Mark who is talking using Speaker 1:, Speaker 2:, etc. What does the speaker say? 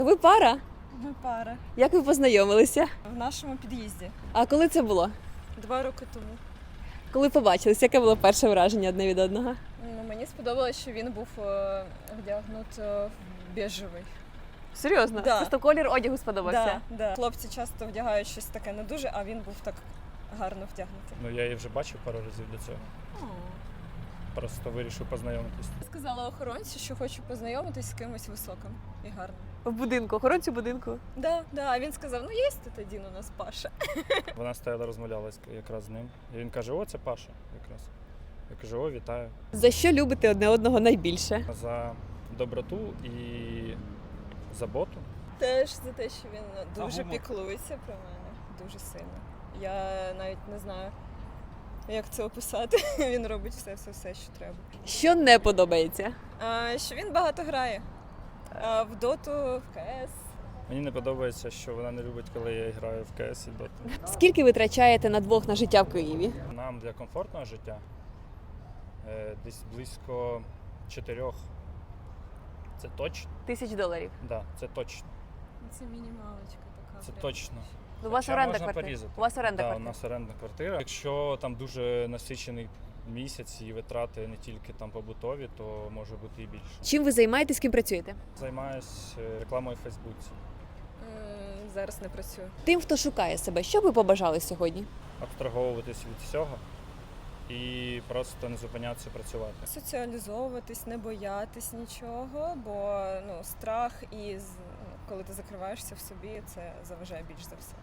Speaker 1: Ви пара?
Speaker 2: Ми пара.
Speaker 1: Як ви познайомилися?
Speaker 2: В нашому під'їзді.
Speaker 1: А коли це було?
Speaker 2: 2 роки тому.
Speaker 1: Коли побачились, яке було перше враження одне від одного?
Speaker 2: Ну, мені сподобалось, що він був вдягнут в біжевий.
Speaker 1: Серйозно?
Speaker 2: Да.
Speaker 1: Просто колір одягу сподобався?
Speaker 2: Да. Хлопці часто вдягають щось таке не дуже, а він був так гарно вдягнутий.
Speaker 3: Ну, я її вже бачив пару разів до цього. Просто вирішив познайомитись.
Speaker 2: Сказала охоронцю, що хочу познайомитись з кимось високим і гарним.
Speaker 1: В будинку, охоронцю будинку.
Speaker 2: Да. А він сказав, ну є тоді у нас Паша.
Speaker 3: Вона стояла, розмовляла якраз з ним. І він каже: о, це Паша якраз. Я кажу: о, вітаю.
Speaker 1: За що любите одне одного найбільше?
Speaker 3: За доброту і заботу.
Speaker 2: Теж за те, що він дуже
Speaker 3: гумор?
Speaker 2: піклується про мене. Дуже сильно. Я навіть не знаю, як це описати. Він робить все, що треба.
Speaker 1: Що не подобається?
Speaker 2: Що він багато грає. В доту, в КС.
Speaker 3: Мені не подобається, що вона не любить, коли я граю в КС і Доту.
Speaker 1: Скільки ви витрачаєте на двох на життя в Києві?
Speaker 3: Нам для комфортного життя десь близько 4. Це точно?
Speaker 1: $1000.
Speaker 3: Да, це точно.
Speaker 2: Це мінімалочка така.
Speaker 3: Це
Speaker 2: прям.
Speaker 3: точно.
Speaker 1: У вас
Speaker 3: Хоча
Speaker 1: оренда
Speaker 3: можна
Speaker 1: квартири?
Speaker 3: порізати.
Speaker 1: У вас оренда
Speaker 3: Да, у
Speaker 1: квартири?
Speaker 3: нас орендна квартира. Якщо там дуже насичений місяць і витрати не тільки там побутові, то може бути і більше.
Speaker 1: Чим ви займаєтесь, ким працюєте?
Speaker 3: Займаюсь рекламою в Фейсбуці.
Speaker 2: Зараз не працюю.
Speaker 1: Тим, хто шукає себе, що ви побажали сьогодні?
Speaker 3: Абстрагуватись від всього і просто не зупинятися працювати.
Speaker 2: Соціалізовуватись, не боятись нічого, бо страх і коли ти закриваєшся в собі, це заважає більш за все.